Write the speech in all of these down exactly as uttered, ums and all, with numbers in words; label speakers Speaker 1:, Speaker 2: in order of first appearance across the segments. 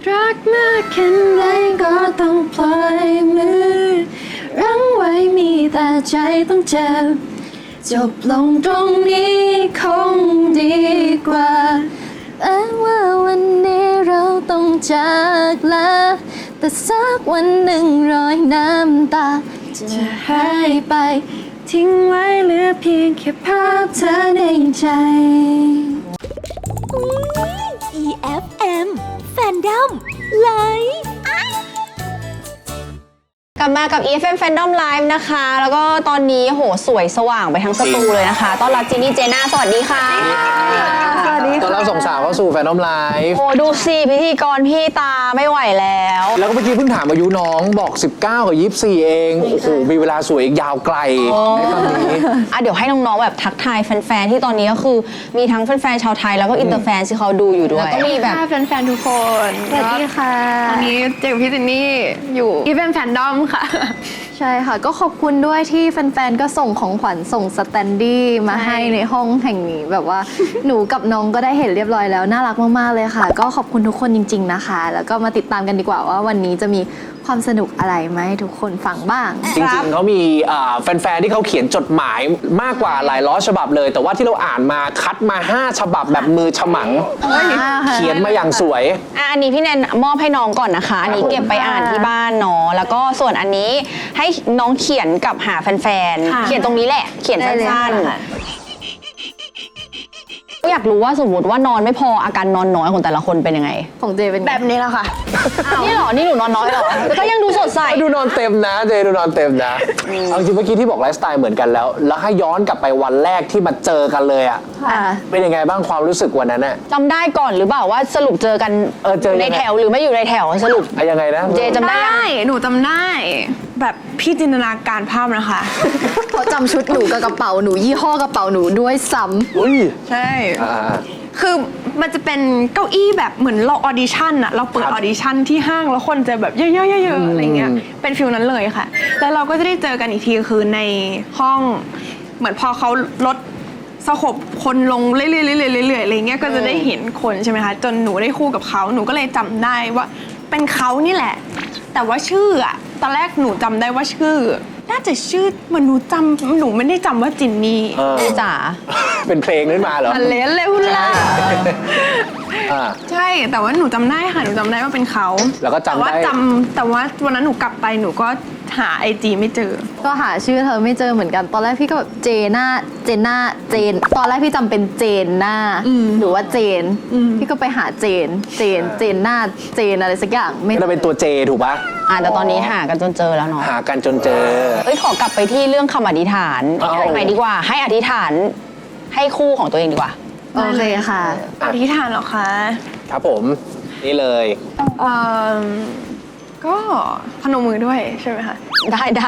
Speaker 1: รักมากแค่ไหนก็ต้องปล่อยมือรั้งไว้มีแต่ใจต้องเจ็บจบลงตรงนี้คงดีกว่าแต่ว่าวันนี้เราต้องจากลาแต่สักวันหนึ่งรอยน้ำตาจะหายไปทิ้งไว้เหลือเพียงแค่ภาพเธอในใจ
Speaker 2: อี เอฟ เอ็ม Fandom Live
Speaker 3: กลับมากับ อี เอฟ เอ็ม Fandom Live นะคะ แล้วก็ตอนนี้โหสวยสว่างไปทั้งสตูเลยนะคะ ต้อนรับจีนี่เจน่าสวัสดีค่ะ
Speaker 1: สวัสดี
Speaker 4: ตอน
Speaker 1: ค่ะ
Speaker 4: เราส่งสาวเข้าสู่แฟนน้อมไลฟ์
Speaker 3: โอ้ดูสิพิธีกรพี่ตาไม่ไหวแล้ว
Speaker 4: แล้วก็เมื่อกี้เพิ่งถามอายุน้องบอกสิบเก้ากับยี่สิบสี่เอง โอ้โห มีเวลาสวยอีกยาวไกลในตอนนี้
Speaker 3: อ่ะเดี๋ยวให้น้องๆแบบทักทายแฟนๆที่ตอนนี้ก็คือมีทั้งแฟนๆชาวไทยแล้วก็อินเตอร์แฟนที่เขาดูอยู่ด้วยแล้วก็มีแบบ
Speaker 1: แฟนๆทุกคนสวัสดีค่ะตอนนี้เจอพี่จินนี่อยู่อีเวนต์แฟนดอมค่ะใช่ค่ะก็ขอบคุณด้วยที่แฟนๆก็ส่งของขวัญส่งสแตนดี้มาให้ในห้องแห่งนี้แบบว่า หนูกับน้องก็ได้เห็นเรียบร้อยแล้วน่ารักมากๆเลยค่ะก็ขอบคุณทุกคนจริงๆนะคะแล้วก็มาติดตามกันดีกว่าว่าวันนี้จะมีความสนุกอะไรมาให้ทุกคนฟังบ้าง
Speaker 4: จริงๆเขามีอ่าแฟนๆที่เขาเขียนจดหมายมากกว่าหลายร้อยฉบับเลย แต่ว่าที่เราอ่านมาคัดมาห้าฉบับแบบมือฉมัง เขียนมาอย่างสวย
Speaker 3: อ่ะอันนี้พี่แนนมอบให้น้องก่อนนะคะ อันนี้เก็บไปอ่านที่บ้านเนาะแล้วก็ส่วนอันนี้ให้น้องเขียนกับหาแฟนๆเขียนตรงนี้แหละ เขียนสั้นๆอยากรู้ว่าสมมติว่านอนไม่พออาการนอนน้อยของแต่ละคนเป็นยังไง
Speaker 1: ของเจเป็นแบบนี้แหละค่ะ
Speaker 3: นี่เหรอ นี่หนูนอนน้อยเหรอแต่ก็ยังดูสดใส
Speaker 4: ดูนอนเต็มนะเจดูนอนเต็มนะเอาจริงเมื่อกี้ที่บอกไลฟ์สไตล์เหมือนกันแล้ว แล้วให้ย้อนกลับไปวันแรกที่มาเจอกันเลยอ่ะ
Speaker 1: ค่ะ
Speaker 4: เป็นยังไงบ้างความรู้สึกวันนั้นอ่ะ
Speaker 3: จำได้ก่อนหรือเปล่าว่าสรุปเจอกัน
Speaker 4: เออเจอยังไง
Speaker 3: ในแถวหรือไม่อยู่ในแถวสรุป
Speaker 4: อะยังไงนะ
Speaker 3: เจจำได้ยัง
Speaker 5: ได้ หนูจำได้ แบบพี่จินตนาการภาพนะคะ
Speaker 1: เขาจำชุดหนูกับกระเป๋าหนูยี่ห้อกระเป๋าหนูด้วยซ้ำ
Speaker 4: อุ้ย
Speaker 5: ใช่
Speaker 4: อ่า
Speaker 5: คือมันจะเป็นเก้าอี้แบบเหมือนเราออดิชั่นอะเราเปิด
Speaker 4: ครับ
Speaker 5: ออดิชั่นที่ห้างแล้วคนจะแบบเยอะๆๆๆอะไรเงี้ย เป็นฟิลนั้นเลยค่ะ แล้วเราก็จะได้เจอกันอีกทีคือในห้อง เหมือนพอเขาลดสโคปคนลงเรื่อยๆๆๆๆอะไรเงี้ย ก็จะได้เห็นคนใช่ไหมคะ จนหนูได้คู่กับเขา หนูก็เลยจำได้ว่าเป็นเขานี่แหละ แต่ว่าชื่ออะตอนแรกหนูจำได้ว่าชื่อ น่าจะชื่อเหมันหนูจำหนูไม่ได้จำว่าจินนี่
Speaker 4: เออ
Speaker 3: จ๋า
Speaker 4: เป็นเพลงขึ้นมาเหรอ
Speaker 5: อันเลนเร็วล่ะ
Speaker 4: อ่า
Speaker 5: ใช่แต่ว่าหนูจำได้ค่ะหนูจำได้ว่าเป็นเขา
Speaker 4: แล้วก็จำ
Speaker 5: แต่ว่า
Speaker 4: ได้
Speaker 5: จำแต่ว่าวันนั้นหนูกลับไปหนูก็หาไอจีไม่เจอ
Speaker 1: ก็หาชื่อเธอไม่เจอเหมือนกัน ตอนแรกพี่ก็แบบเจน่าเจน่าเจน ตอนแรกพี่จำเป็นเจนหน้า
Speaker 5: อืม
Speaker 1: หรือว่าเจน
Speaker 5: อืม
Speaker 1: พี่ก็ไปหาเจน เจน เจนหน้า เจนอะไรสักอย่างไม่
Speaker 4: ก็จะเป็นตัวเจถูกปะ
Speaker 3: อ่ะแต่ตอนนี้หากันจนเจอแล้วเนาะ
Speaker 4: หากันจนเจอ
Speaker 3: เอ้ยขอกลับไปที่เรื่องคำอธิษฐาน
Speaker 4: เอา
Speaker 3: ใหม่ดีกว่า ให้อธิษฐานให้คู่ของตัวเองดีกว่า
Speaker 1: โอเคค่ะ
Speaker 5: อธิษฐานเหรอคะ
Speaker 4: ครับผม นี่เลย
Speaker 5: เอ่อก็พนมมือด้วยใช่ไหมคะ
Speaker 3: ได้ได้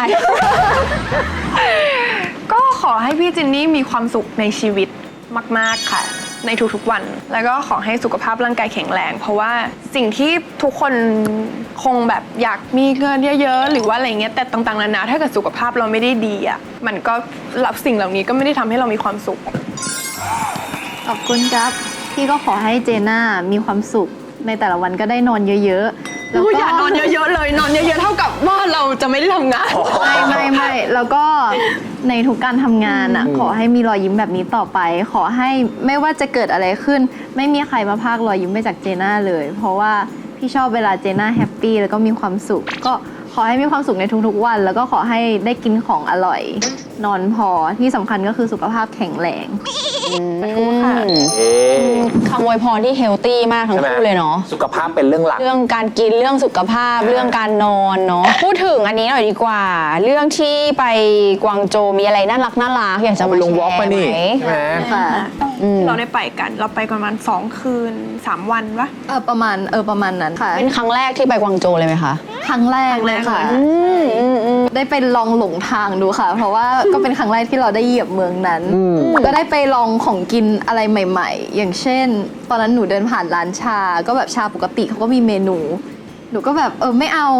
Speaker 5: ก็ขอให้พี่จินนี่มีความสุขในชีวิตมาก ๆ ค่ะ ในทุกๆวัน แล้วก็ขอให้สุขภาพร่างกายแข็งแรง เพราะว่าสิ่งที่ทุกคนคงแบบอยากมีเงินเยอะๆหรือว่าอะไรเงี้ยแต่ต่างๆนานาถ้าเกิดสุขภาพเราไม่ได้ดีอ่ะมันก็รับสิ่งเหล่านี้ก็ไม่ได้ทำให้เรามีความสุข
Speaker 1: ขอบคุณครับ พี่ก็ขอให้เจน่ามีความสุขในแต่ละวันก็ได้นอนเยอะๆ แล้วก็
Speaker 5: อย่านอนเยอะๆเลยนอนเยอะๆเท่ากับว่าเราจะไม่ได้ทำงาน
Speaker 1: ไม่ไม่ไม่แล้วก็ในทุกการทำงานอ่ะ ขอให้มีรอยยิ้มแบบนี้ต่อไป ขอให้ไม่ว่าจะเกิดอะไรขึ้น ไม่มีใครมาพากรอยยิ้มไปจากเจน่าเลย เพราะว่าพี่ชอบเวลาเจน่าแฮปปี้แล้วก็มีความสุข ก็ขอให้มีความสุขในทุกๆวัน แล้วก็ขอให้ได้กินของอร่อย นอนพอที่สำคัญก็คือสุขภาพแข็งแรง
Speaker 3: ค่ะ
Speaker 4: เอ๊ะ
Speaker 3: คำอวยพรที่เฮลตี้มากทั้ง
Speaker 4: ใช่ไหม
Speaker 3: คู่เลยเนาะ
Speaker 4: สุขภาพเป็นเรื่องหลัก
Speaker 3: เรื่องการกินเรื่องสุขภาพเรื่องการนอนเนาะพูดถึงอันนี้หน่อยดีกว่า เรื่องที่ไปกวางโจวมีอะไรน่ารักน่ารักอยากจะ
Speaker 4: เอาไป
Speaker 3: มา
Speaker 4: ลง
Speaker 3: แช
Speaker 4: วอล์ก
Speaker 3: ร์
Speaker 4: มานี่
Speaker 3: ไหม
Speaker 4: ใช่ไหม
Speaker 1: ค่ะ
Speaker 3: อืม
Speaker 5: เราได้ไปกัน เราไปกันประมาณสองคืนสามวันวะ
Speaker 1: เออประมาณเออประมาณนั้นค่ะ
Speaker 3: เป็นครั้งแรกที่ไปกวางโจวเลยไหมคะ
Speaker 1: ครั้งแรกเลยค่ะ
Speaker 3: อืมอืมอืม
Speaker 1: ได้ไปลองหลงทางดูค่ะ เพราะว่าก็เป็นครั้งแรกที่เราได้เหยียบเมืองนั้น
Speaker 4: อืม
Speaker 1: ก็ได้ไปลองของกินอะไรใหม่ ๆ อย่างเช่น ตอนนั้นหนูเดินผ่านร้านชา ก็แบบชาปกติเขาก็มีเมนู หนูก็แบบเออไม่เอา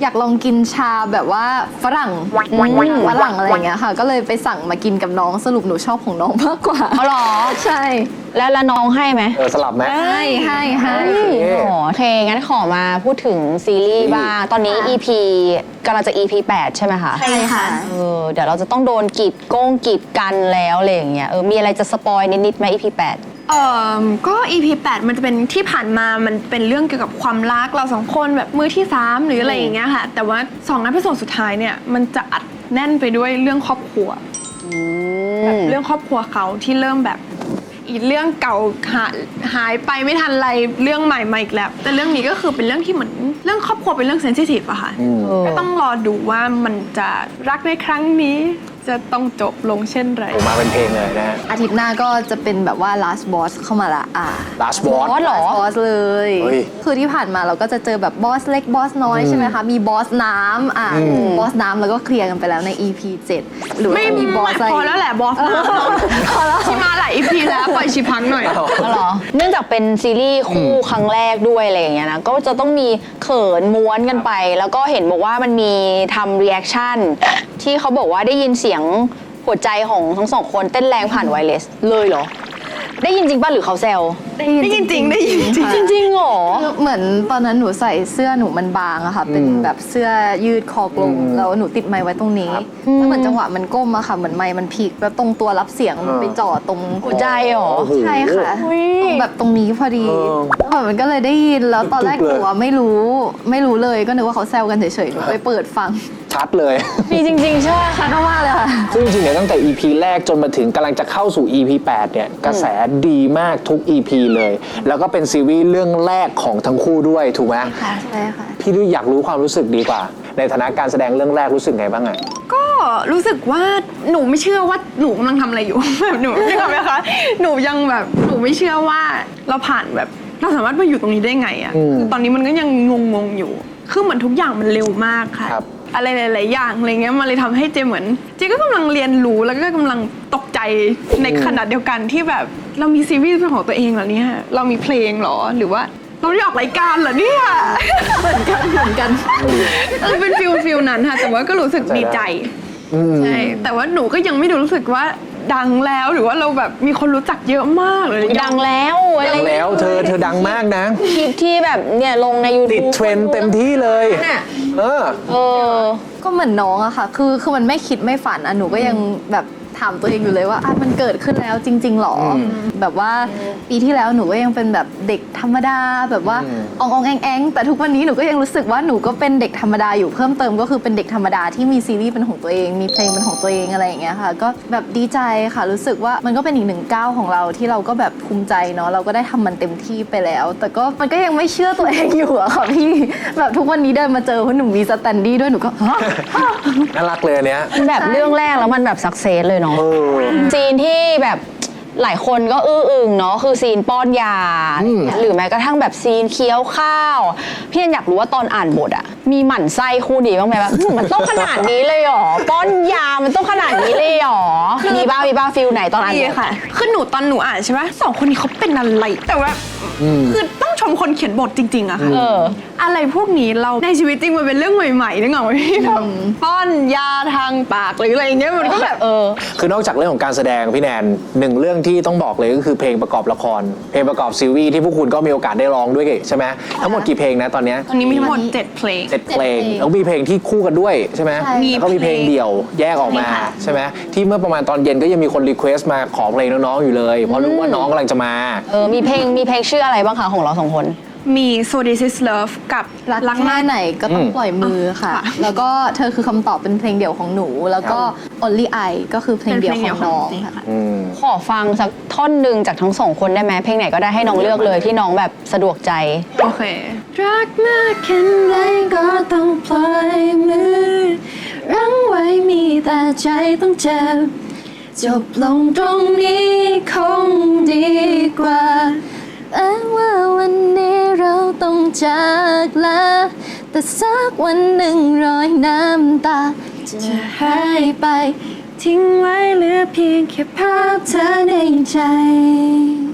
Speaker 1: อยากลองกินชาแบบว่าฝรั่งฝรั่งอะไรอย่างเงี้ยค่ะ ก็เลยไปสั่งมากินกับน้องสรุปหนูชอบของน้องมากกว่า
Speaker 3: อ๋อเหรอ
Speaker 1: ใช่
Speaker 3: แล้วแล้วน้องให้ไหม
Speaker 4: เออสลับไหม
Speaker 1: ให้ให้ให้
Speaker 3: อ๋อโอเคงั้นขอมาพูดถึงซีรีส์บ้างตอนนี้ อี พี กำลังจะ อี พี แปดใช่ไหมคะ
Speaker 1: ใช่ค่ะ
Speaker 3: เออเดี๋ยวเราจะต้องโดนกีดโก้งกีดกันแล้วอะไรอย่างเงี้ยเออมีอะไรจะสปอยนิดๆไหม อี พี แปด
Speaker 5: เอ่อก็ อี พี แปดมันจะเป็นที่ผ่านมามันเป็นเรื่องเกี่ยวกับความรักเราสองคนแบบมือที่สามหรืออะไรอย่างเงี้ยค่ะ แต่ว่าสองนัดพิโซดสุดท้ายเนี่ยมันจะอัดแน่นไปด้วยเรื่องครอบครัวแบบเรื่องครอบครัวเขาที่เริ่มแบบอีกเรื่องเก่าหาหายไปไม่ทันไรเรื่องใหม่มาอีกแล้วแต่เรื่องนี้ก็คือเป็นเรื่องที่เหมือนเรื่องครอบครัวเป็นเรื่องเซนซิทีฟอะค่ะก็ต้องรอดูว่ามันจะรักในครั้งนี้จะต้องจบลงเช่นไร
Speaker 4: ผมมาเป็นเพลงเลยนะฮะ
Speaker 1: อาทิตย์หน้าก็จะเป็นแบบว่า last boss เข้ามาละอ่า
Speaker 4: Last Boss
Speaker 3: บอสเหรอ
Speaker 1: last boss เลย
Speaker 4: เฮ้ย
Speaker 1: คือที่ผ่านมาเราก็จะเจอแบบบอสเล็กบอสน้อยใช่ไหมคะ มีบอสน้ำอ่าบอสน้ำแล้วก็เคลียร์กันไปแล้วใน อี พี เจ็ดหรือว่า
Speaker 5: ไม่
Speaker 1: จะมีบอสอะไร
Speaker 5: พอแล้วแหละบอสนะที่มาหลาย อี พี แล้วปล่อยชีพังหน่อย
Speaker 3: อ๋อเหรอเนื่องจากเป็นซีรีส์คู่ครั้งแรกด้วยอะไรอย่างเงี้ยนะก็จะต้องมีเขินม้วนกันไป แล้วก็เห็นบอกว่ามันมีทำรีแอคชั่นที่เขาบอกว่าได้ยินเสียงหัวใจของทั้งสองคนเต้นแรงผ่านไวเลสเลยเหรอได้ยินจริงป่ะหรือเขาแซว
Speaker 5: ได้ยินจริงได้ยินจริง
Speaker 3: จริงๆเหรอ
Speaker 1: คือเหมือนตอนนั้นหนูใส่เสื้อหนูมันบางอะค่ะ เป็นแบบเสื้อยืดคอกลมแล้วหนูติดไมค์ไว้ตรงนี้แล้วเหมือนจังหวะมันก้มอะค่ะเหมือนไมค์มันพลิกแล้วตรงตัวรับเสียงมันไปจ่อตรง
Speaker 3: หัวใจเหรอ
Speaker 1: ใช่ค่ะตรงแบบตรงนี้พอดีแล้วแบบมันก็เลยได้ยินแล้วตอนแรกหนูอะไม่รู้ไม่รู้เลยก็นึกว่าเขาแซวกันเฉยๆหนูไปเปิดฟัง
Speaker 4: ชัดเลย
Speaker 3: มีจริงๆใช่ไหม
Speaker 1: ชัดมากเลยค่ะ
Speaker 4: ซึ่งจริงๆเนี่ยตั้งแต่ อี พี แรกจนมาถึงกำลังจะเข้าสู่ อี พี แปดเนี่ยกระแสดีมากทุก อี พี เลย แล้วก็เป็นซีรีส์เรื่องแรกของทั้งคู่ด้วยถูกไหม
Speaker 1: ค่ะใช่ค่ะ
Speaker 4: พี่อยากรู้ความรู้สึกดีกว่า ในฐานะการแสดงเรื่องแรกรู้สึกไงบ้างอะ
Speaker 5: ก็รู้สึกว่าหนูไม่เชื่อว่าหนูกำลังทำอะไรอยู่ แบบหนูไม่เข้าใจไหมคะหนูยังแบบหนูไม่เชื่อว่าเราผ่านแบบเราสามารถมาอยู่ตรงนี้ได้ไงอะคือตอนนี้มันก็ยังงงๆอยู่คือเหมือนทุกอย่างมันเร็วมากค่ะ
Speaker 4: ครับ
Speaker 5: อะไรหลายๆอย่างอะไรเงี้ยมันเลยทำให้เจเหมือนเจก็กำลังเรียนรู้แล้วก็กำลังตกใจในขณะเดียวกันที่แบบเรามีซีรีส์เป็นของตัวเองเหรอเนี่ยเรามีเพลงเหรอหรือว่าเราได้ออกรายการเหรอเนี่ย
Speaker 1: เหมือนกันเหมือนกัน
Speaker 5: เออเป็นฟิลฟิลนั้นค่ะแต่ว่าก็รู้สึกดีใจใช่แต่ว่าหนูก็ยังไม่ได้รู้สึกว่าดังแล้วหรือว่าเราแบบมีคนรู้จักเยอะมากเลย
Speaker 3: ดังแล้วอะไร
Speaker 4: ดังแล้วเธอเธอดังมากนะ
Speaker 3: คลิปที่แบบเนี่ยลงใน
Speaker 4: ติด
Speaker 3: YouTube
Speaker 4: เทรนด์เต็มที่เลย
Speaker 3: น่ะ
Speaker 4: เออ
Speaker 3: เออ
Speaker 1: ก็เหมือนน้องอะค่ะ คือคือมันไม่คิดไม่ฝันอะหนูก็ยังแบบถามตัวเองอยู่เลยว่าอ่ะมันเกิดขึ้นแล้วจริง ๆหรออแบบว่าปีที่แล้วหนูก็ยังเป็นแบบเด็กธรรมดาแบบว่าอองอองแองแองแต่ทุกวันนี้หนูก็ยังรู้สึกว่าหนูก็เป็นเด็กธรรมดาอยู่เพิ่มเติมก็คือเป็นเด็กธรรมดาที่มีซีรีส์เป็นของตัวเองมีเพลงเป็นของตัวเองอะไรอย่างเงี้ยค่ะ ก็แบบดีใจค่ะรู้สึกว่ามันก็เป็นอีกหนึ่งก้าวของเราที่เราก็แบบภูมิใจเนาะเราก็ได้ทำมันเต็มที่ไปแล้ว แต่ก็มันก็ยังไม่เชื่อตัวเองอยู่อะค่ะพี่แบบทุกวันนี้เดินมาเจอเพราะหนูมีสแตนดี้ด้วยหนูก็ฮะ
Speaker 4: น่ารักเลยอันเนี้ย
Speaker 3: มันแบบเรื่องแรกแล้วมันแบบสักเซสเลยเนาะ
Speaker 4: เออ
Speaker 3: ซีนที่แบบหลายคนก็อื้ออึงเนาะคือซีนป้อนยา
Speaker 4: อืม
Speaker 3: หรือแม้กระทั่งแบบซีนเคี้ยวข้าวพี่อยากรู้ว่าตอนอ่านบทอะมีหมั่นไส้คู่นี้บ้างไหมแบบ มันต้องขนาดนี้เลยเหรอป้อนยามันต้องขนาดนี้เลยเหรอมีบ้ามีบ้าฟิลไหนตอนอ่าน
Speaker 5: ดี
Speaker 3: บท
Speaker 5: ค่ะคือหนูตอนหนูอ่านใช่ไหมสองคนนี้เขาเป็นอะไรแต่ว่าคือต้องชมคนเขียนบทจริงๆอะค่ะ
Speaker 3: เออ
Speaker 5: อะไรพวกนี้เราในชีวิตจริงมันเป็นเรื่องใหม่ๆนึกออกไหมพี่แบบป้อนยาทางปากหรืออะไรอย่างเงี้ยมันก็แบบ
Speaker 3: เออ
Speaker 4: คือนอกจากเรื่องของการแสดงพี่แนนหนึ่งเรื่องที่ต้องบอกเลยก็คือเพลงประกอบละคร เพลงประกอบซีรีส์ที่พวกคุณก็มีโอกาสได้ร้องด้วยใช่ไหมทั้งหมดกี่เพลงนะตอนเนี้ย
Speaker 5: ตอนนี้มีทั้งหมดเจ็ดเพลง
Speaker 4: เจ็ดเพลงแล้วมีเพลงที่คู่กันด้วยใช่ไหม
Speaker 1: ใช่
Speaker 4: แล้วก็มีเพลงเดี่ยวแยกออกมา
Speaker 5: ใช่ค่ะ
Speaker 4: ใช่ไหมที่เมื่อประมาณตอนเย็นก็ยังมีคนรีเควสต์มาขอเพลงน้องๆอยู่เลยเพราะรู้ว่าน้องกำลังจะมา
Speaker 3: เออมีเพลงมีเพลงชื่ออะไรบ้างคะของเราสองคน
Speaker 5: มี So This Is Love กับ
Speaker 1: รักแค่ไหนก็ต้อง
Speaker 4: อืม
Speaker 1: ปล่อยมือค่ะ
Speaker 5: ค่ะ
Speaker 1: แล้วก็เธอคือคำตอบเป็นเพลงเดี่ยวของหนู แล้วก็ Only I ก็คือเพลงเดี่ยวของน้องค่ะ
Speaker 4: อืม
Speaker 3: ขอฟังสักท่อนหนึ่งจากทั้งสองคนได้ไหมเพลงไหนก็ได้ให้น้องเลือกเลยที่น้องแบบสะดวกใจ
Speaker 5: โอเค
Speaker 1: รักมากแค่ไหนก็ต้องปล่อยมือรั้งไว้มีแต่ใจต้องเจ็บจบลงตรงนี้คงดีกว่าแต่ว่าวันนี้เราต้องจากลาแต่สักวันหนึ่งรอยน้ำตาจะหายไปทิ้งไว้เหลือเพียงแค่ภาพเธอในใจ
Speaker 3: ว้า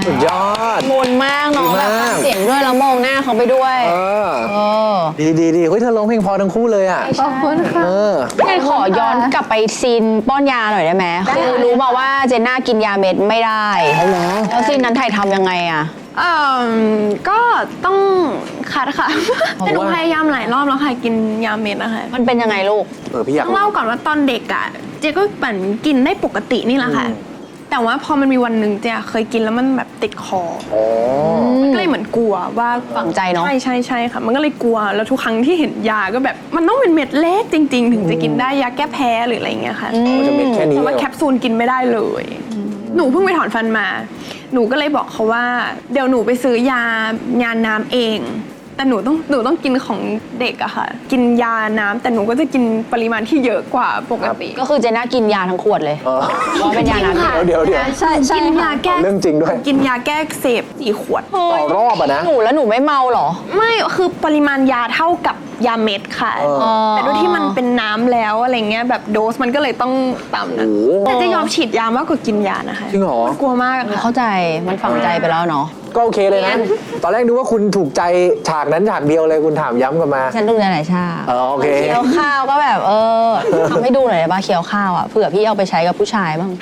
Speaker 4: สุดยอด
Speaker 3: มนมากเนาะ
Speaker 4: ดี
Speaker 3: แบบ
Speaker 4: มาก
Speaker 3: ฟังเสียงด้วยแล้วมองหน้าเขาไปด้วย
Speaker 4: เออ
Speaker 3: เออ
Speaker 4: ดีดีดีเฮ้ยเธอร้องเพลงพอทั้งคู่เลยอ่ะ
Speaker 1: ขอบคุณค่ะ
Speaker 4: เออ
Speaker 3: งั้นขอย้อนกลับไปซีนป้อนยาหน่อยได้ไหมคือรู้มาว่าเจนน่ากินยาเม็ดไม่ได้
Speaker 4: เอาเหรอ
Speaker 3: แล้วซีนนั้นถ่ายทำยังไงอะ
Speaker 5: เอ่อก็ต้องคัดค่ะ แต่หนูพยายามหลายรอบแล้วค่ะกินยาเม็ดนะคะ
Speaker 3: มันเป็นยังไงลูก
Speaker 4: เออพี่อยาก
Speaker 5: ต้องเล่าก่อนว่าตอนเด็กอ่ะเจ๊ก็เหมือนกินได้ปกตินี่แหละค่ะ แต่ว่าพอมันมีวันหนึ่งเจ๊เคยกินแล้วมันแบบติดคอ
Speaker 4: อ๋อ
Speaker 5: มันก็เลยเหมือนกลัวว่า
Speaker 3: ฝังใจเนอะ
Speaker 5: ใช่ใช่ใช่ค่ะ มันก็เลยกลัวแล้วทุกครั้งที่เห็นยาก็แบบมันต้องเป็นเม็ดเล็กจริง ๆ ถึงจะกินได้ยาแก้แพ้หรืออะไรอย่างเงี้ยค่ะ
Speaker 4: มันจะเป็นแค่นี้
Speaker 5: แต่
Speaker 4: เหร
Speaker 5: ว่า
Speaker 4: อ
Speaker 5: แคปซูลกินไม่ได้เลย หนูเพิ่งไปถอนฟันมา หนูก็เลยบอกเขาว่า เดี๋ยวหนูไปซื้อยายาน้ำเอง แต่หนูต้องหนูต้องกินของเด็กอะค่ะ กินยาน้ำแต่หนูก็จะกินปริมาณที่เยอะกว่าปกติ
Speaker 3: ก็คือเจนน่ากินยาทั้งขวดเลย
Speaker 4: เออ
Speaker 3: เพราะเป็นยาน้ำ
Speaker 5: จริงค่ะ
Speaker 4: เดี๋ยวเดี๋ยว
Speaker 1: ใช่ใช่
Speaker 5: กินยาแก้
Speaker 4: เรื่องจริงด้วย
Speaker 5: กินยาแก้อักเสพสี่ขวด
Speaker 4: ต่อรอบอะนะ
Speaker 3: หนูแล้วหนูไม่เมาเหรอ
Speaker 5: ไม่คือปริมาณยาเท่ากับยาเม็ดค่ะ
Speaker 4: เออ
Speaker 5: แต่ด้วยที่มันเป็นน้ำแล้วอะไรเงี้ยแบบโดสมันก็เลยต้องต่ำนะ
Speaker 4: โอ้โห
Speaker 5: แต่จะยอมฉีดยามากกว่ากินยานะคะ
Speaker 4: จริงเหรอ
Speaker 5: กลัวมากอะค่ะ
Speaker 3: เข้าใจมันฝังใจไปแล้วเนาะ
Speaker 4: ก็โอเคเลยนะ ตอนแรกนึกว่าคุณถูกใจฉากนั้นฉากเดียวเลยคุณถามย้ำกลับมา
Speaker 3: ฉันดูในไหนชา
Speaker 4: เออโอเค
Speaker 3: เคี้ยวข้าวก็แบบเออทำให้ดูหน่อยได้ป่ะเคี้ยวข้าวอ่ะเผื่อพี่เอาไปใช้กับผู้ชายบ้าง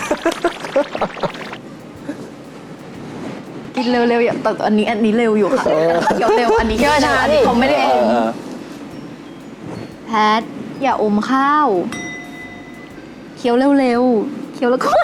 Speaker 1: กินเร็วๆอย่าแต่อันนี้อันนี้เร็วอยู่ค่ะเดี๋ยวเร็วอันนี้
Speaker 3: เคี้ยวช้าดิ
Speaker 1: เขาไม่ได้
Speaker 4: เอ
Speaker 1: อม
Speaker 4: อ
Speaker 1: แพทอย่าอมข้าวเคี้ยวเร็วๆเคี้ยวแล้วก็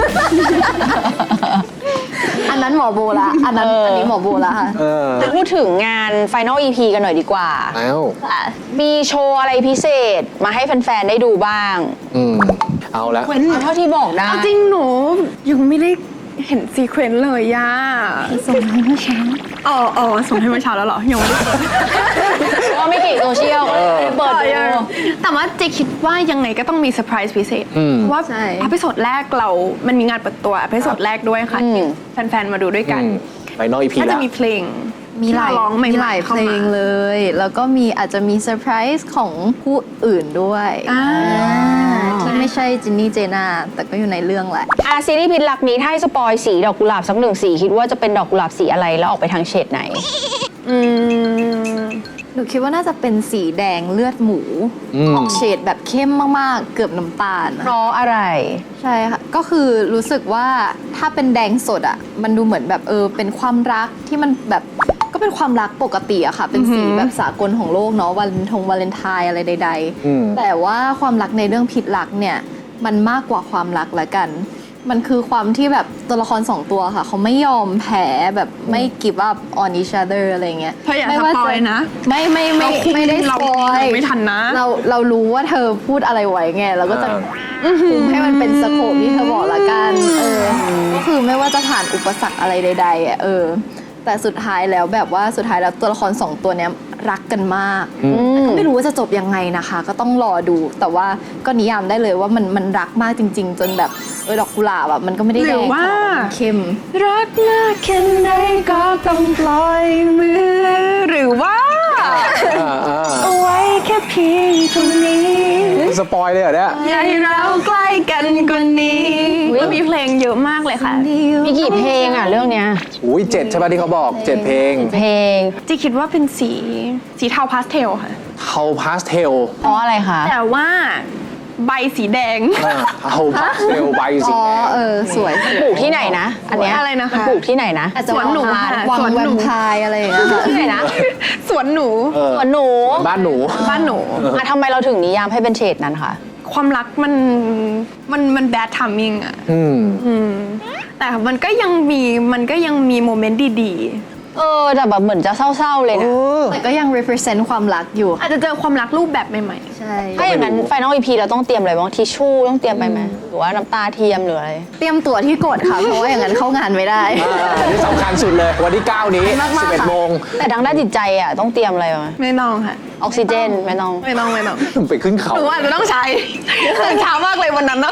Speaker 1: อันนั้นหมอโบละอันนั้น
Speaker 3: เอออั
Speaker 1: อันนี้หมอโบละค่ะ
Speaker 4: เออ
Speaker 3: จะพูดถึงงาน Final อี พี กันหน่อยดีกว่า
Speaker 4: เอ้า
Speaker 3: มีโชว์อะไรพิเศษมาให้แฟนๆ ได้ดูบ้าง
Speaker 4: อืมเอาละ
Speaker 3: เอาเท่าที่บอกได้
Speaker 5: เอาจริงหนูยังไม่ได้เห็นซีเควนต์เลยย่า
Speaker 1: ส่งให้เมื่อเช้า
Speaker 5: อ๋ออ๋อส่งให้เมื่อเช้าแล้วเหรอยังไม่ได้เปิด
Speaker 3: เพราะว่าไม่เก่งโซเชียลเปิดดู
Speaker 5: แต่ว่าเจคิดว่ายังไงก็ต้องมีเซอร์ไพรส์พิเศษ
Speaker 4: อืม
Speaker 5: เพราะว่า
Speaker 1: ใช่
Speaker 5: อพิโซดแรกเรา มันมีงานเปิดตัวอพิโซดแรกด้วยค่ะ
Speaker 3: อืม
Speaker 5: ที่แฟนๆ มาดูด้วยกัน
Speaker 4: ไปนอกอีพี
Speaker 5: น่าจะ
Speaker 4: ละ
Speaker 5: มีเพลง
Speaker 1: มีหลาย
Speaker 5: ที่เรร้องใหม่ๆ
Speaker 1: มีหลายเพ
Speaker 5: ข้
Speaker 1: ล
Speaker 5: ม
Speaker 1: งเลย แล้วก็มีอาจจะมีเซอร์ไพรส์ของผู้อื่นด้วย
Speaker 5: อ่า
Speaker 1: อ่าที่ไม่ใช่จินนี่เจน่าแต่ก็อยู่ในเรื่องแหละ
Speaker 3: อาซีรีส์พิษรักนี้ถ้าให้สปอยสีดอกกุหลาบสักหนึ่งสีคิดว่าจะเป็นดอกกุหลาบสีอะไรแล้วออกไปทางเฉดไหน
Speaker 5: อืม
Speaker 1: หนูคิดว่าน่าจะเป็นสีแดงเลือดหมู
Speaker 4: อืม
Speaker 1: ออกเฉดแบบเข้มมากๆ เกือบน้ำตาล
Speaker 3: เพราะอะไร
Speaker 1: ใช่ค่ะ ก็คือรู้สึกว่าถ้าเป็นแดงสดอ่ะ มันดูเหมือนแบบเออเป็นความรักที่มันแบบก็เป็นความรักปกติอะค่ะ เป็นสีแบบสากลของโลกเนาะวันทงวาเลนไทน์อะไรใด
Speaker 4: อืม
Speaker 1: ๆ แต่ว่าความรักในเรื่องผิดรักเนี่ยมันมากกว่าความรักละกัน มันคือความที่แบบตัวละครสองตัวค่ะ เขาไม่ยอมแพ้แบบไม่ give up on each other อะไรเงี้ย
Speaker 5: เธออย่า
Speaker 1: ไม่
Speaker 5: ส
Speaker 1: ว่า
Speaker 5: ปอย
Speaker 1: จะ
Speaker 5: นะ
Speaker 1: ไม่ไม่ไม่ไม่ได้ส
Speaker 5: เรา
Speaker 1: ปอย
Speaker 5: เราไม่ทันนะ
Speaker 1: เราเรารู้ว่าเธอพูดอะไรไว้ไงเราก็จะคุมให้มันเป็นสโคปที่เธอบอกละกันเออก็คือไม่ว่าจะผ่านอุปสรรคอะไรใดๆอ่ะเออ แต่สุดท้ายแล้วแบบว่าสุดท้ายแล้วตัวละครสองตัวเนี้ยรักกันมากแต่ก็ไม่รู้ว่าจะจบยังไงนะคะ ก็ต้องรอดู แต่ว่าก็นิยามได้เลยว่ามันมันรักมากจริง ๆ จนแบบเออดอกกุหลาบแบบมันก็ไม่ได้
Speaker 5: ห
Speaker 1: แด
Speaker 5: รือง ว่า
Speaker 1: มันเข้ม
Speaker 5: รักมากแค่ไหนก็ต้องปล่อยมือ หรือว่า
Speaker 4: อ่าอ่า
Speaker 5: เอาไว้แค่เพียงเท่านี้
Speaker 4: สปอยเลยเหรอเนี่ย
Speaker 5: อย่าให้เราใกล้กันกว่านี้แล้วมีเพลงเยอะมากเลยค่ะ
Speaker 3: มีกี่เพลงอ่ะเรื่องเนี้ย
Speaker 4: อุ้ยเจ็ดใช่ป่ะที่เขาบอกเจ็ดเพลง
Speaker 3: เพลง
Speaker 5: จีคิดว่าเป็นสีสีเทาพาสเทลค่ะ
Speaker 4: เทาพาสเทล
Speaker 3: เพราะอะไรคะ
Speaker 5: แต่ว่าใบสีแดง
Speaker 4: เทาพาสเทลใบสี
Speaker 1: อ๋อ
Speaker 4: แดง
Speaker 1: เออสวย
Speaker 3: ปลูกที่ไหนนะ อันเนี้ย
Speaker 5: อะไรนะคะ
Speaker 3: ปลูกที่ไหนนะ
Speaker 1: อาจจะ
Speaker 5: สวนหนู
Speaker 1: วัง
Speaker 5: ค่ะ
Speaker 1: วัง
Speaker 5: สวน
Speaker 1: แว
Speaker 5: หนู
Speaker 1: มไพร์อะไรอย่างเงี้ยค่ะ
Speaker 3: ที่ไหนนะ
Speaker 5: สวนหนู
Speaker 4: เออ
Speaker 3: สวนหนู
Speaker 4: บ้านหนู
Speaker 5: บ้านหนู
Speaker 3: อ่ะทำไมเราถึงนิยามให้เป็นเฉดนั้นคะ
Speaker 5: ความรักมันมันมันแบดทัมมิ่งอะ
Speaker 4: อืม
Speaker 5: อืมแต่มันก็ยังมีมันก็ยังมีโมเมนต์ดี
Speaker 3: เออแต่แบบเหมือนจะเศร้าๆเลยนะ
Speaker 1: แต่ก็ยัง represent ความรักอยู่
Speaker 5: ๆ อาจจะเจอความรักรูปแบบใหม่
Speaker 1: ใช่
Speaker 3: ถ้าอย่างนั้น Final อี พี เราต้องเตรียมอะไรบ้างทิชชู่ต้องเตรียมไปไหมหรือว่าน้ำตาเทียมหรืออะไร
Speaker 1: เตรียมตัวที่กดค่ะ เพราะว่าอย่างนั้นเข้างานไม่ได้
Speaker 4: อ่านี่สำคัญสุดเลย วันที่ เก้า นี้
Speaker 1: มากๆ
Speaker 4: สิบเอ็ด
Speaker 1: ค่ะ
Speaker 4: โมง
Speaker 3: แต่ทางด้านจิตใจอ่ะต้องเตรียมอะไรไหม
Speaker 5: ๆ ไม่ต้องค่ะ
Speaker 3: ออกซิเจนไม่ต้อง
Speaker 5: ไม่ต้องไม่ต้อง
Speaker 4: ไปขึ้นเขา
Speaker 5: หนูอาจจะต้องใช้ตื่นเช้ามากเลยวันนั้นเนาะ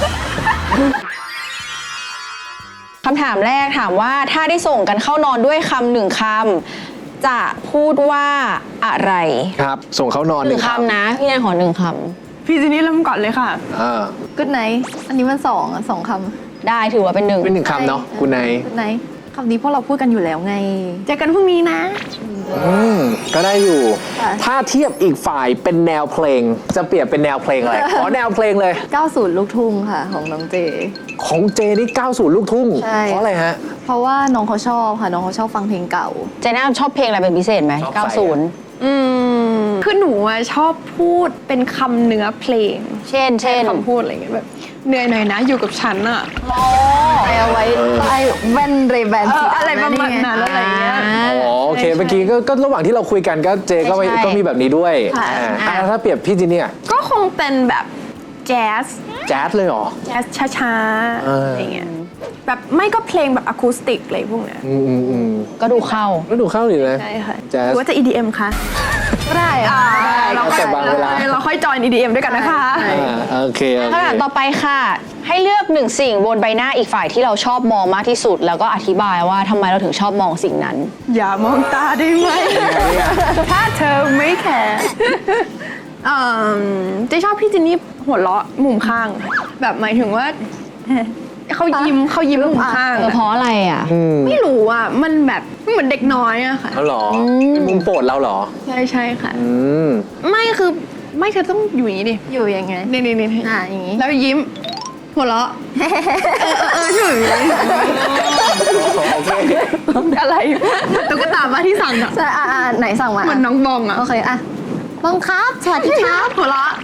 Speaker 3: คำถามแรกถามว่าถ้าได้ส่งกันเข้านอนด้วยคำหนึ่งคำจะพูดว่าอะไร
Speaker 4: ครับ ส่งเขานอน
Speaker 3: หนึ่งคำนะพี่แนนขอหนึ่งค
Speaker 5: พี่จินนี่เริ่มก่อนเลยค่ะ
Speaker 4: อ่า
Speaker 1: good night อันนี้มันสองอ่ะสองค
Speaker 3: ำได้ถือว่าเป็นหนึ่ง
Speaker 4: เป็นหนึ่ง
Speaker 1: ำ
Speaker 4: คำเนาะคุณนาย
Speaker 1: good night คำนี้พวกเราพูดกันอยู่แล้วไง
Speaker 5: เจอกันพรุ่งนี้นะ
Speaker 4: อืมก็ได้อยู่
Speaker 1: ค่ะ
Speaker 4: ถ้าเทียบอีกฝ่ายเป็นแนวเพลง จะเปรียบเป็นแนวเพลงอะไร ขอแนวเพลงเลย
Speaker 1: เก้าสิบลูกทุ่งค่ะของน้องเจ
Speaker 4: ของเจนี่เก้าสิบลูกทุ่ง
Speaker 1: ใช่
Speaker 4: เพราะอะไรฮะ
Speaker 1: เพราะว่าน้องเขาชอบค่ะน้องเขาชอบฟังเพลงเก่า
Speaker 3: เจน่าชอบเพลงอะไรเป็นพิเศษไหม
Speaker 4: ชอบใส่
Speaker 3: เก้าสิบ
Speaker 5: อืมคือหนูอะชอบพูดเป็นคำเนื้อเพลง
Speaker 3: เช่น เช่น
Speaker 5: คำพูดอะไรอย่างเงี้ยแบบเหนื่อยหน่อยนะอยู่กับฉันอะ
Speaker 1: ไปเอาไว้ใต้แว่นเรแบน
Speaker 5: เอ
Speaker 1: สี
Speaker 5: อ
Speaker 1: ดำ
Speaker 5: อะไรประมาณนั้นอะไรอย่างเงี้ย
Speaker 4: อ๋อโอเคเมื่อกี้ก็ก็ระหว่างที่เราคุยกันก็เจก็ไม่
Speaker 3: ใช่
Speaker 4: ก็มีแบบนี้ด้วย
Speaker 5: ค่ะ
Speaker 4: อ่าอ่ะถ้าเปรียบพี่จีเนี่ย
Speaker 5: ก็คงเป็นแบบแจ๊ส
Speaker 4: แจ๊สเลยเหรอ
Speaker 5: แจ๊สช้า
Speaker 4: เอ
Speaker 5: ๆ
Speaker 4: ออ
Speaker 5: อะไรเงี้ยแบบไม่ก็เพลงแบบอะคูสติกอะไรพวกเนี้ย
Speaker 4: อืมอืมอืม
Speaker 3: ก็ดูเข้า
Speaker 4: แล้วดูเข้าดีนะ
Speaker 5: ใช่ค่ะ
Speaker 4: แจ๊ส
Speaker 5: หรือว่าจะ อี ดี เอ็ม คะ
Speaker 1: ก็ได้ค่ะ
Speaker 5: เรา
Speaker 4: แล้วแต่บางเวลา
Speaker 5: เราค่อยจอย อี ดี เอ็ม ด้วยกันนะคะ
Speaker 4: อ่าโอเคโอเค
Speaker 3: คำถามต่อไปค่ะ ให้เลือกหนึ่งสิ่งบนใบหน้าอีกฝ่ายที่เราชอบมองมากที่สุด แล้วก็อธิบายว่าทำไมเราถึงชอบมองสิ่งนั้น
Speaker 5: อย่ามองตาได้ไหม ถ้าเธอไม่แคร์เอ่อเจะชอบพี่จินนี่หัวเราะมุมข้าง แบบหมายถึงว่า เขายิ้มเขายิ้มมุมข้าง
Speaker 3: เออเพราะอะไรอ่ะ
Speaker 4: อืม
Speaker 5: ไม่รู้อ่ะ มันแบบเหมือนเด็กน้อยอะค่ะ
Speaker 4: เขาเหรอเป็นมุมโปรดเราเหรอ
Speaker 5: ใช่ใช่ค่ะ
Speaker 4: อืม
Speaker 5: ไม่คือไม่เธอต้องอยู่อย่างนี้ดิ
Speaker 1: อยู่ยังไง
Speaker 5: นี่นี่นี่
Speaker 1: อ่าอย่างงี้
Speaker 5: แล้วยิ้ม หัวเราะ เออเออเออช่วยอย่างนี้
Speaker 4: โอเค
Speaker 5: อะไรตุ๊กตาบ้าที่สั่งอะ
Speaker 1: ใช่อ่าอ่าไหนสั่งมา
Speaker 5: เหมือนน้องบองอะ
Speaker 1: โอเคอ่ะบังคับสวัสดีครับ
Speaker 5: หัวเราะ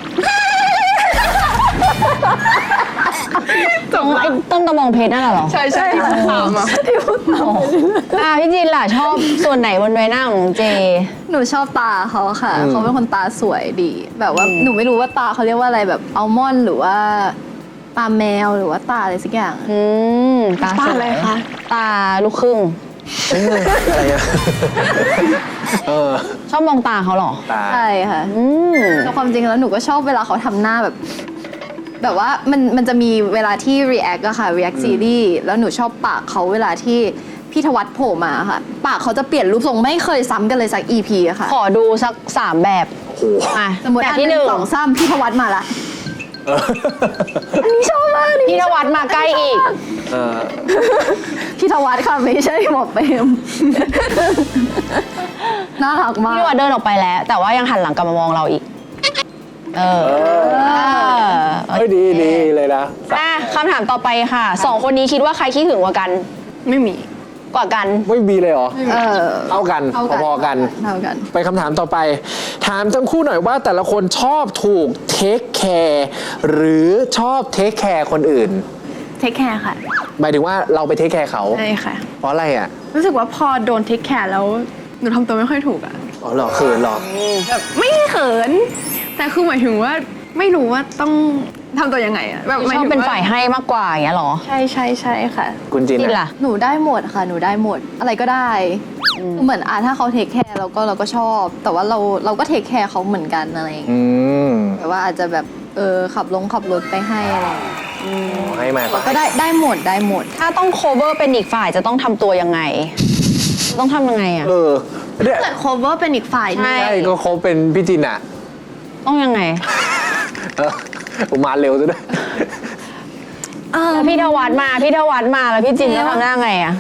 Speaker 3: ต้องไอ้ต้นตะบองเพชรนั่นน่ะเหรอ
Speaker 5: ใช่ใช่ที่พูดตามอะ
Speaker 3: อ่าพี่จินล่ะชอบส่วนไหนบนใบหน้าของเจ
Speaker 1: หนูชอบตาเขาค่ะ
Speaker 4: อืม
Speaker 1: เขาเป็นคนตาสวยดี แบบว่าหนูไม่รู้ว่าตาเขาเรียกว่าอะไรแบบอัลมอนด์หรือว่าตาแมวหรือว่าตาอะไรสักอย่าง
Speaker 3: อืมตา
Speaker 5: ตา
Speaker 3: สวย
Speaker 5: อะไรคะ
Speaker 3: ตาลูกครึ่ง
Speaker 4: เอ้ยอะไรอะเออ
Speaker 3: ชอบมองตาเขาเหรอ
Speaker 4: ตา
Speaker 1: ใช่ค่ะ
Speaker 3: อืม
Speaker 1: แต่ความจริงแล้วหนูก็ชอบเวลาเขาทำหน้าแบบ แบบว่ามันมันจะมีเวลาที่ react อะค่ะ react ซีรีส์แล้วหนูชอบปากเขาเวลาที่พี่ธวัฒน์โผล่มาค่ะ ปากเขาจะเปลี่ยนรูปทรงไม่เคยซ้ำกันเลยสัก อี พี อะค่ะ
Speaker 3: ขอดูสักสามแบบ
Speaker 4: โอ้โห
Speaker 3: อ่ะ
Speaker 1: สมมติ
Speaker 3: แบบ
Speaker 1: อัน
Speaker 3: ที่
Speaker 1: ห
Speaker 3: ห
Speaker 1: นึ่
Speaker 3: นึ่
Speaker 1: ง
Speaker 3: ง
Speaker 1: สองสามพี่ธวัฒน์มาละ
Speaker 4: เออ
Speaker 1: อันนี้ชอบมากนี่
Speaker 3: พี่นวัดมาใกล้อีก
Speaker 4: เออ
Speaker 1: พี่ธวัฒน์ค่ะไม่ใช่หมอเปรม น่ารักมาก
Speaker 3: พี่นวัดเดินออกไปแล้ว แต่ว่ายังหันหลังกลับมามองเราอีก เออ
Speaker 4: เออ
Speaker 3: เออ
Speaker 4: เฮ้ยดีดีเลยนะ
Speaker 3: อ่ะคำถามต่อไปค่ะสองคนนี้คิดว่าใครขี้หึงกว่ากัน
Speaker 5: ไม่มี
Speaker 3: กว่ากัน
Speaker 4: ไม่มีเลยเหรอ
Speaker 1: เออ
Speaker 4: เท่ากัน
Speaker 1: เท่ากัน
Speaker 4: พอๆกัน
Speaker 1: เท่ากัน
Speaker 4: ไปคำถามต่อไป ถามทั้งคู่หน่อยว่าแต่ละคนชอบถูกเทคแคร์หรือชอบเทคแคร์คนอื่น
Speaker 5: เทคแคร์ค่ะ
Speaker 4: หมายถึงว่าเราไปเทคแคร์เขา
Speaker 5: ใช่ค่ะ
Speaker 4: เพราะอะไรอ่ะ
Speaker 5: รู้สึกว่าพอโดนเทคแคร์แล้วหนูทำตัวไม่ค่อยถูกอะ
Speaker 4: อ๋อเหรอเขินเหรอ
Speaker 5: แบบไม่ได้เขิน แต่คือหมายถึงว่าไม่รู้ว่าต้องทำตัวยังไงอะแบบหม
Speaker 3: ชอบ
Speaker 5: ถึง
Speaker 3: เป็น
Speaker 5: ว่
Speaker 3: ฝ่ายให้มากกว่าอย่างเงี้ยเหรอ
Speaker 5: ใช่ใช่ใช่ค่ะ
Speaker 4: คุณจิน
Speaker 3: จิน
Speaker 4: อะ
Speaker 3: ล่ะ
Speaker 1: หนูได้หมดค่ะ หนูได้หมด อะไรก็ได้เหมือนอ่ะถ้าเขาเทคแคร์เราก็เราก็ชอบ แต่ว่าเราเราก็เทคแคร์เขาเหมือนกันอะไรอย่างเงี้ย
Speaker 4: อืม
Speaker 1: แบบว่าอาจจะแบบเออขับลงขับรถไปให้อะไรอย่างเงี้ย
Speaker 4: ให้มา
Speaker 1: ก็ได้ได้หมดได้หมด
Speaker 3: ถ้าต้อง cover เป็นอีกฝ่ายจะต้องทำตัวยังไง ต้องทำยังไงอ่ะ
Speaker 4: เออเนี่ย
Speaker 5: เกิด cover เป็นอีกฝ่ายหนึง
Speaker 3: ใช่
Speaker 4: ใช่ก็เขาเป็นพี่จินอ่ะ
Speaker 3: ต้องยังไง
Speaker 4: เออผมมาเร็วซะด้วย
Speaker 3: แล้วพี่ทวัดมา พี่ทวัดมาแล้วพี่จินจะทำหน้าไงอ่ะ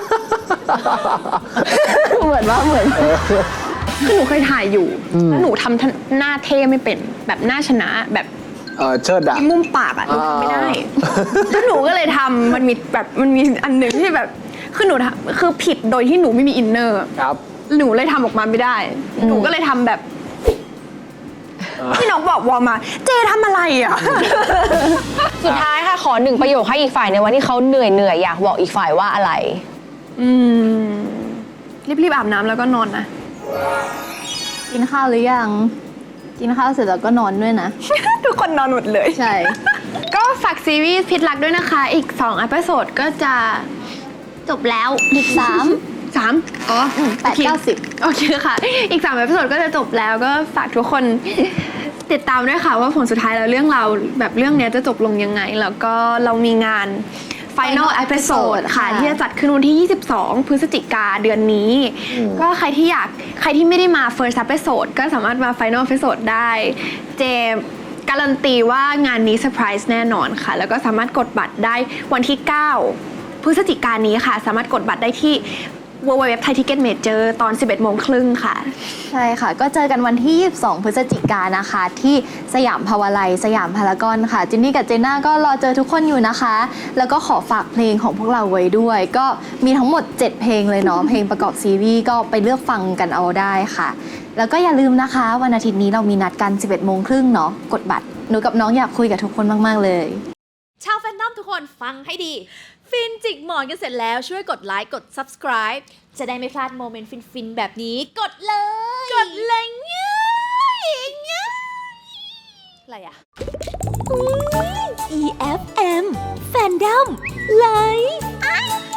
Speaker 1: เหมือนว่าเหมือน
Speaker 5: คือหนูเคยถ่ายอยู่ แล้วหนูทำหน้าเท่ไม่เป็นแบบหน้าชนะแบบ
Speaker 4: เออเชิดอะ
Speaker 5: มีมุมปากอะหนูทำไม่ได้
Speaker 4: อ่า
Speaker 5: แล้วหนูก็เลยทำมันมีแบบมันมีอันหนึ่งที่แบบคือหนูทำคือผิดโดยที่หนูไม่มีอินเนอร์
Speaker 4: ครับ
Speaker 5: หนูเลยทำออกมาไม่ได้ หนูก็เลยทำแบบ
Speaker 4: เออ
Speaker 5: ที่น้องบอกวอมา เจทำอะไรอ่ะ
Speaker 3: สุดท้ายค่ะขอหนึ่งประโยคให้อีกฝ่ายในวันที่เขาเหนื่อยเหนื่อยๆอยากบอกอีกฝ่ายว่าอะไร
Speaker 5: อืมรีบๆอาบน้ำแล้วก็นอนนะ
Speaker 1: กินข้าวหรือยัง กินข้าวเสร็จแล้วก็นอนด้วยนะ
Speaker 5: ทุกคนนอนหมดเลย
Speaker 1: ใช่
Speaker 5: ก็ฝากซีรีส์พิษรักด้วยนะคะ อีกสองอพิโซดก็จะจบแล้ว
Speaker 1: อีกสาม
Speaker 5: สามอ๋อ
Speaker 1: แปดเก้าสิบ
Speaker 5: โอเคค่ะ อีกสามอพิโซดก็จะจบแล้วก็ฝากทุกคน ติดตามด้วยค่ะว่าผลสุดท้ายแล้วเรื่องเราวแบบเรื่องเนี้ยจะจบลงยังไง แล้วก็เรามีงาน Final Episode ค่ะ
Speaker 1: ค่ะ
Speaker 5: ที่จะจัดขึ้นวันที่ ยี่สิบสอง พฤศจิกาเดือนนี้ ก็ใครที่อยากใครที่ไม่ได้มา First Episode ก็สามารถมา Final Episode ได้ เจการันตีว่างานนี้เซอร์ไพรส์แน่นอนค่ะ แล้วก็สามารถกดบัตรได้วันที่ เก้าพฤศจิกายนนี้ค่ะ สามารถกดบัตรได้ที่ ดับเบิลยู ดับเบิลยู ดับเบิลยู ดอท ไทย ทิกเก็ต เมเจอร์ ตอน สิบเอ็ดโมงครึ่งค่ะ
Speaker 1: ใช่ค่ะ ก็เจอกันวันที่ ยี่สิบสอง พฤศจิกายนนะคะ ที่สยามภาวาลัยสยามพารากอนค่ะ จินนี่กับเจน่าก็รอเจอทุกคนอยู่นะคะ แล้วก็ขอฝากเพลงของพวกเราไว้ด้วย ก็มีทั้งหมด เจ็ด เพลงเลยเนาะ เพลงประกอบซีรีส์ก็ไปเลือกฟังกันเอาได้ค่ะ แล้วก็อย่าลืมนะคะ วันอาทิตย์นี้เรามีนัดกัน สิบเอ็ดโมงครึ่งเนาะ กดบัตร หนูกับน้องอยากคุยกับทุกคนมากๆเลย
Speaker 2: ชาวแฟนดอมทุกคนฟังให้ดี ฟินจิกหมอนกันเสร็จแล้วช่วยกดไลค์กด subscribe จะได้ไม่พลาดโมเมนต์ฟินๆ แบบนี้กดเลย กดเลยง่ายง่ายอะไรอะ อี เอฟ เอ็ม Fandom Live